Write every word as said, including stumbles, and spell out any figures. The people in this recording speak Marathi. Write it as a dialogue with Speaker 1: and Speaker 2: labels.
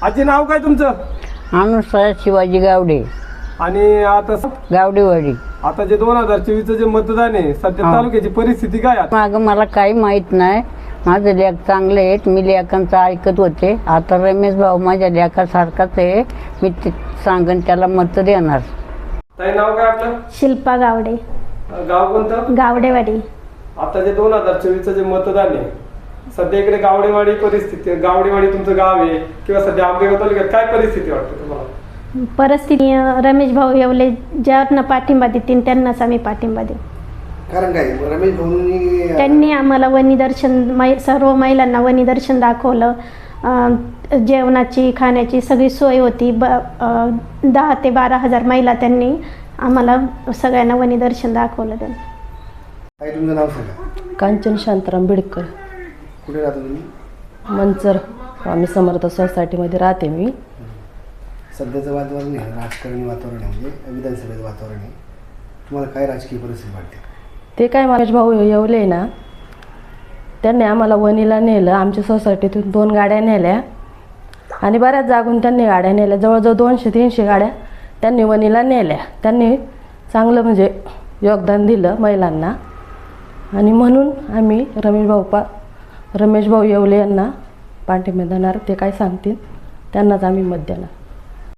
Speaker 1: आजी नाव काय तुमचं?
Speaker 2: अनुसया शिवाजी गावडे.
Speaker 1: आणि आता
Speaker 2: गावडेवाडी.
Speaker 1: आता जे दोन हजार चोवीसचं जे मतदान आहे सध्या तालुक्याची परिस्थिती काय आहे?
Speaker 2: मागं मला काही माहीत नाही. माझे लेख चांगले आहेत. मी लेखांचं ऐकत होते. आता रमेश भाऊ माझ्या लेखासारखाच आहे. मी ते सांगन त्याला मत देणार.
Speaker 1: ताई नाव काय आपलं?
Speaker 3: शिल्पा गावडे.
Speaker 1: गाव कोणतं?
Speaker 3: गावडेवाडी.
Speaker 1: आता जे दोन हजार चोवीसचं जे मतदान आहे सध्या इकडे गावडेवाडी परिस्थिती आहे. गावडेवाडी तुमचं गाव आहे किंवा सध्या आंबेगाव तालुक्यात काय परिस्थिती वाटते तुम्हाला?
Speaker 3: परिस्थिती रमेश भाऊ येवले ज्यांना पाठिंबा देतील त्यांनाच आम्ही पाठिंबा देऊ.
Speaker 4: कारण काय रमेश भाऊंनी
Speaker 3: त्यांनी आम्हाला वनी दर्शन मै सर्व महिलांना वनी दर्शन दाखवलं. जेवणाची खाण्याची सगळी सोय होती. ब दहा ते बारा हजार महिला त्यांनी आम्हाला सगळ्यांना वनी दर्शन दाखवलं. त्यांनी.
Speaker 4: काय तुमचं नाव सांगा?
Speaker 5: कांचन शांताराम बिडकर.
Speaker 4: कुठे राहता तुम्ही?
Speaker 5: मंचर स्वामी समर्थ सोसायटीमध्ये राहते मी.
Speaker 4: सध्याचं वातावरण आहे राजकारणी वातावरण आहे म्हणजे विधानसभेचं वातावरण आहे. तुम्हाला काय राजकीय परिस्थिती वाटते?
Speaker 5: ते काय रमेश भाऊ येवले ना त्यांनी आम्हाला वणीला नेलं. आमच्या सोसायटीतून दोन गाड्या नेल्या आणि बऱ्याच जागून त्यांनी गाड्या नेल्या. जवळजवळ दोनशे तीनशे गाड्या त्यांनी वणीला नेल्या. त्यांनी चांगलं म्हणजे योगदान दिलं महिलांना आणि म्हणून आम्ही रमेश भाऊ पा रमेश भाऊ येवले यांना पाठिंबा देणार. ते काय सांगतील त्यांनाच आम्ही मत देणार.